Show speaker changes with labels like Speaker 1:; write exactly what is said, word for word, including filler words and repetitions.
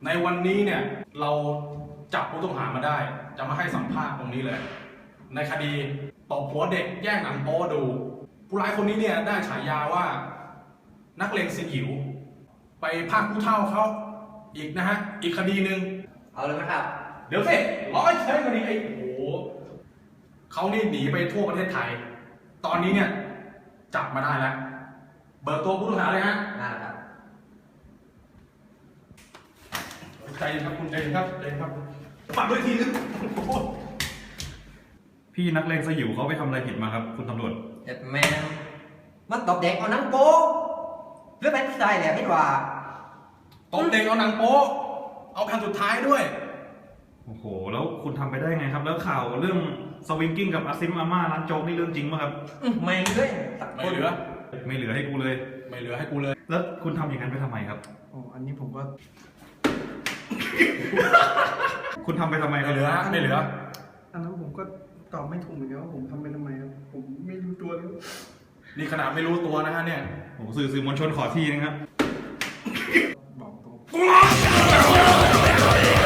Speaker 1: ในวันนี้เนี่ยเราจับผู้ต้องหามาได้จะมาให้สัมภาษณ์ตรงนี้เลยในคดีตบหัวเด็กแย่งหนังโป๊ดูผู้ร้ายคนนี้เนี่ยได้ฉายาว่านักเลงสยิวไปพากผู้เฒ่าเขาอีกนะฮะอีกคดีหนึ่ง
Speaker 2: เอาเลยไหมครับ
Speaker 1: เดี๋ยวสิร้อยใช้คดีไอ้โหเขานี่หนีไปทั่วประเทศไทยตอนนี้เนี่ยจับมาได้แล้วเบิกตัวผู้ต้องหาเลยฮะ
Speaker 2: น่าครับ
Speaker 1: ใจเย็นครับคุณใจเย็นครับใจเย็นครับปัดด้วยทีนึง
Speaker 3: พี่นักเลงสยิวเขาไปทำอะไรผิดมาครับคุณตำรวจ
Speaker 2: เด็ดแมนมันตบเด็กเอาหนังโป๊หรือเป็นผู้ชายแหละพี่ว่า
Speaker 1: ตบเด็กเอาหนังโป๊เอาแผ่นสุดท้ายด้วย
Speaker 3: โอ้โหแล้วคุณทำไปได้ไงครับแล้วข่าวเรื่องสวิงกิ้งกับอาซิมอาม่าร้านโจ๊กนี่เรื่องจริงป่ะครับ
Speaker 2: อื้อไม่เลยสัก
Speaker 1: ไม่
Speaker 2: คน
Speaker 1: เหลือ
Speaker 3: ไม่เหลือให้กูเลย
Speaker 1: ไม่เหลือให้กูเลย
Speaker 3: แล้วคุณทำอย่างนั้นไปทำไมครับ
Speaker 4: อ๋ออันนี้ผมก็
Speaker 3: คุณทำไปทำไมค
Speaker 1: ไม่
Speaker 3: รับ
Speaker 1: เหลือไม่เหลือ
Speaker 4: อันนั้นผมก็ตอบไม่ถูกเหมือนกันว่าผมทำไปทำไมครับผมไม่รู้ตัวเลย
Speaker 1: นี่ขนาดไม่รู้ตัวนะฮะเนี่ย
Speaker 3: โอ้โหสื่อสื่อมวลชนขอทีนึงครับ
Speaker 4: บอกตรง